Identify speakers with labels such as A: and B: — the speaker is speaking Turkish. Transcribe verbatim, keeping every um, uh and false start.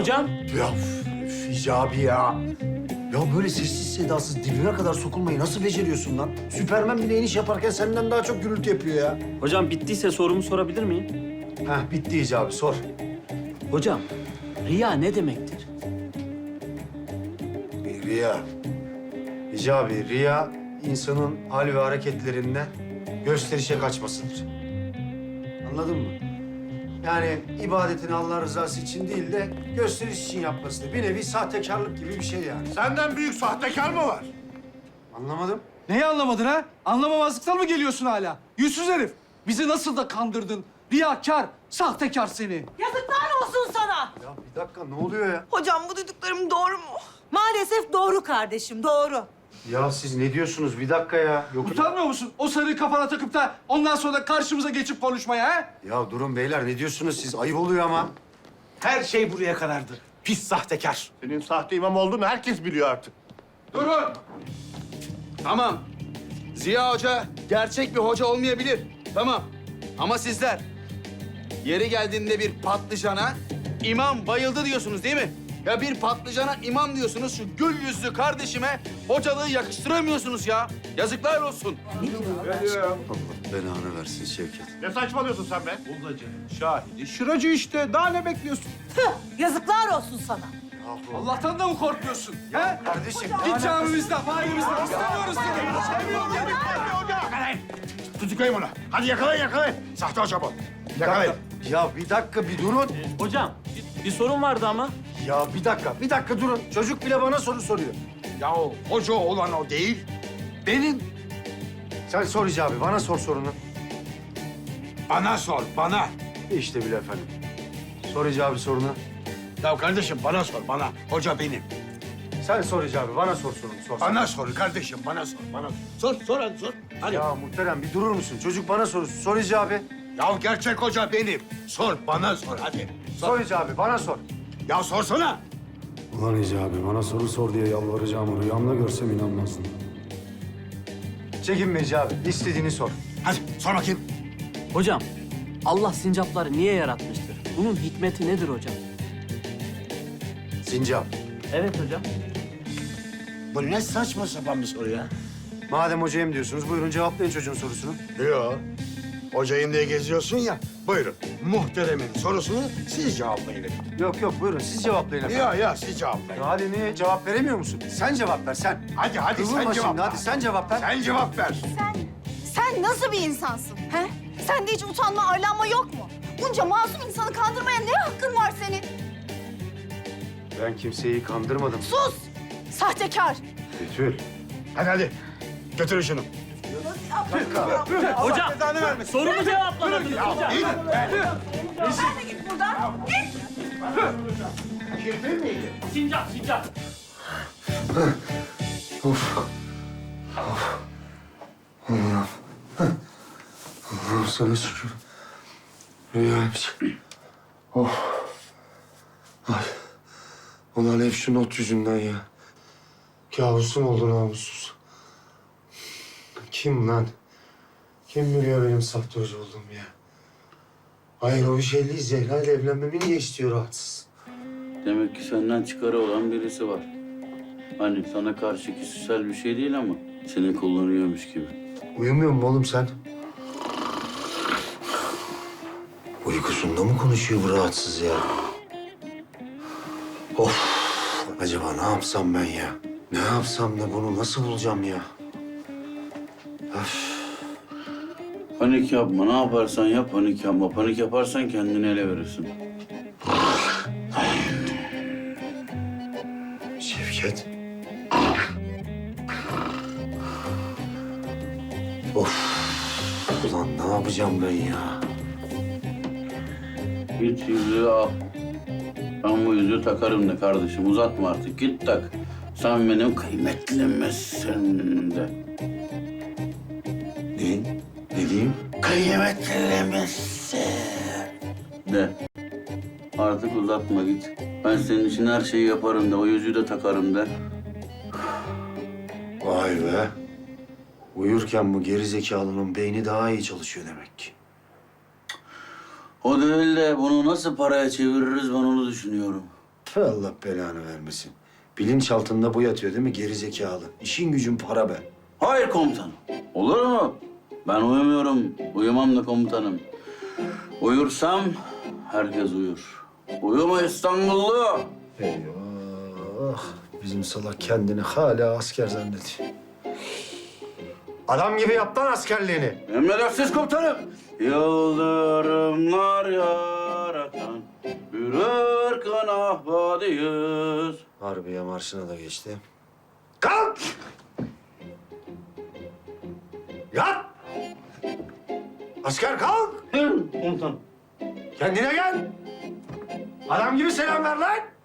A: Hocam.
B: Ya üf, Hicabi ya. Ya böyle sessiz sedasız dibine kadar sokulmayı nasıl beceriyorsun lan? Süpermen bile iniş yaparken senden daha çok gürültü yapıyor ya.
A: Hocam bittiyse sorumu sorabilir miyim?
B: Heh bitti Hicabi sor.
A: Hocam, riya ne demektir?
B: Riya. Hicabi, riya insanın hal ve hareketlerinden gösterişe kaçmasıdır. Anladın mı? Yani ibadetini Allah rızası için değil de gösteriş için yapmasıdır. Bir nevi sahtekarlık gibi bir şey yani.
C: Senden büyük sahtekar mı var?
B: Anlamadım.
D: Neyi anlamadın ha? Anlamamazlıktan mı geliyorsun hala? Yüzsüz herif. Bizi nasıl da kandırdın. Riyakar, sahtekar seni.
E: Yazıklar olsun sana.
B: Ya bir dakika ne oluyor ya?
E: Hocam bu duyduklarım doğru mu? Maalesef doğru kardeşim, doğru.
B: Ya siz ne diyorsunuz? Bir dakika ya. Yok.
D: Utanmıyor musun o sarıyı kafana takıp da ondan sonra karşımıza geçip konuşmaya ha?
B: Ya durun beyler ne diyorsunuz siz? Ayıp oluyor ama.
F: Her şey buraya kadardı. Pis sahtekar.
C: Senin sahte imam olduğunu herkes biliyor artık.
G: Durun. Tamam. Ziya Hoca gerçek bir hoca olmayabilir. Tamam. Ama sizler yeri geldiğinde bir patlıcana imam bayıldı diyorsunuz değil mi? Ya bir patlıcana imam diyorsunuz, şu gül yüzlü kardeşime hocalığı yakıştıramıyorsunuz ya. Yazıklar olsun.
B: Allah belanı versin Şevket.
C: Ne saçmalıyorsun sen be?
F: Bulgacı, şahidi, şıracı işte. Daha ne bekliyorsun?
E: Tüh, yazıklar olsun sana.
D: Allah'tan da mı korkmuyorsun? Ha?
B: Kardeşim.
D: Git camimizden, mahallemizden. İstemiyoruz seni. Sevmiyorum seni.
C: Yakalayın. Tutuklayın bunu. Hadi yakalayın yakalayın. Sahte hoca bu. Yakalayın.
B: Ya bir dakika bir durun.
A: Hocam, bir, bir sorun vardı ama.
B: Ya bir dakika, bir dakika durun. Çocuk bile bana soru soruyor.
C: Ya hoca olan o değil. Benim.
B: Sen sor Hicabi, bana sor sorunu.
C: Bana sor, bana.
B: İşte bile efendim. Sor Hicabi sorunu.
C: Ya kardeşim bana sor, bana. Hoca benim.
B: Sen sor Hicabi, bana sor sorunu. Sor.
C: Bana sor kardeşim, bana sor, bana sor. Sor, sor hadi sor. Hadi. Ya,
B: Ya muhterem bir durur musun? Çocuk bana soru. Sor Hicabi.
C: gerçek hoca benim. Sor, bana sor hadi.
B: Sor Hicabi, bana sor.
C: Ya sorsana.
H: Ulan Hicabi bana soru sor diye yalvaracağımı rüyamda görsem inanmazdım.
B: Çekinme Hicabi, istediğini sor.
C: Hadi sor bakayım.
A: Hocam, Allah sincapları niye yaratmıştır? Bunun hikmeti nedir hocam?
B: Sincap.
A: Evet hocam.
C: Bu ne saçma sapan bir soru ya.
B: Madem hocayım diyorsunuz, buyurun cevaplayın çocuğun sorusunu.
C: Yok. Hocayım diye geziyorsun ya. Buyurun. Muhteremin sorusunu siz cevaplayın.
B: Yok yok, buyurun siz cevaplayın efendim.
C: Ya ya siz cevaplayın.
B: Ya hadi niye cevap veremiyor musun? Sen cevap ver, sen.
C: Hadi hadi
B: Kıvırma
C: sen
B: şimdi,
C: cevap ver.
B: hadi sen cevap ver.
C: Sen cevap ver.
I: Sen, sen nasıl bir insansın? He? Sende hiç utanma, arlanma yok mu? Bunca masum insanı kandırmaya ne hakkın var senin?
B: Ben kimseyi kandırmadım.
I: Sus! Sahtekar!
B: Betül.
C: Hadi hadi. Götürün şunu.
A: Hocam, sorumu cevaplamadınız hocam.
C: İyi.
E: Sen de git buradan. Git.
A: Sincap, sincap.
B: Allah'ım sana şükür. Rüyaymış. Oh. Ay. Ulan hep şu not yüzünden ya. Kabusum oldu namussuz. Kim lan? Kim biliyor benim sahte hoca olduğumu ya? Hayır o bir şey değil. Zehra ile evlenmemi niye istiyor rahatsız?
J: Demek ki senden çıkarı olan birisi var. Hani sana karşı kişisel bir şey değil ama seni kullanıyormuş gibi.
B: Uyumuyor mu oğlum sen? Uykusunda mı konuşuyor bu rahatsız ya? Of! Acaba ne yapsam ben ya? Ne yapsam da bunu nasıl bulacağım ya? Öf!
J: Panik yapma, ne yaparsan yap panik yapma. Panik yaparsan kendini ele verirsin.
B: Şevket. Of! Ulan ne yapacağım ben ya?
J: Git yüzüğü al. Ben bu yüzüğü takarım de kardeşim. Uzatma artık, git tak. Sen benim kıymetlimizsin de.
B: Ne? Ne diyeyim?
J: Kıymetlimizsin de. Artık uzatma git. Ben senin için her şeyi yaparım da, o yüzüğü de takarım da.
B: Vay be. Uyurken bu gerizekalının beyni daha iyi çalışıyor demek ki.
J: O değil de bunu nasıl paraya çeviririz ben onu düşünüyorum.
B: Tüh, Allah belanı vermesin. Bilinç altında bu yatıyor değil mi gerizekalı? İşin gücün para be.
J: Hayır komutanım. Olur mu? Ben uyumuyorum. Uyumam da komutanım. Uyursam herkes uyur. Uyuma İstanbullu.
B: Eyvah! Bizim salak kendini hala asker zannediyor. Adam gibi yap lan askerliğini.
J: Emredersiniz komutanım. Yıldırımlar yaratan bir ırkın ahbadıyız.
B: Harbiye marşına da geçti. Kalk! Yat! Asker kalk!
J: Hı, komutanım.
B: Kendine gel! Adam gibi selam ver lan!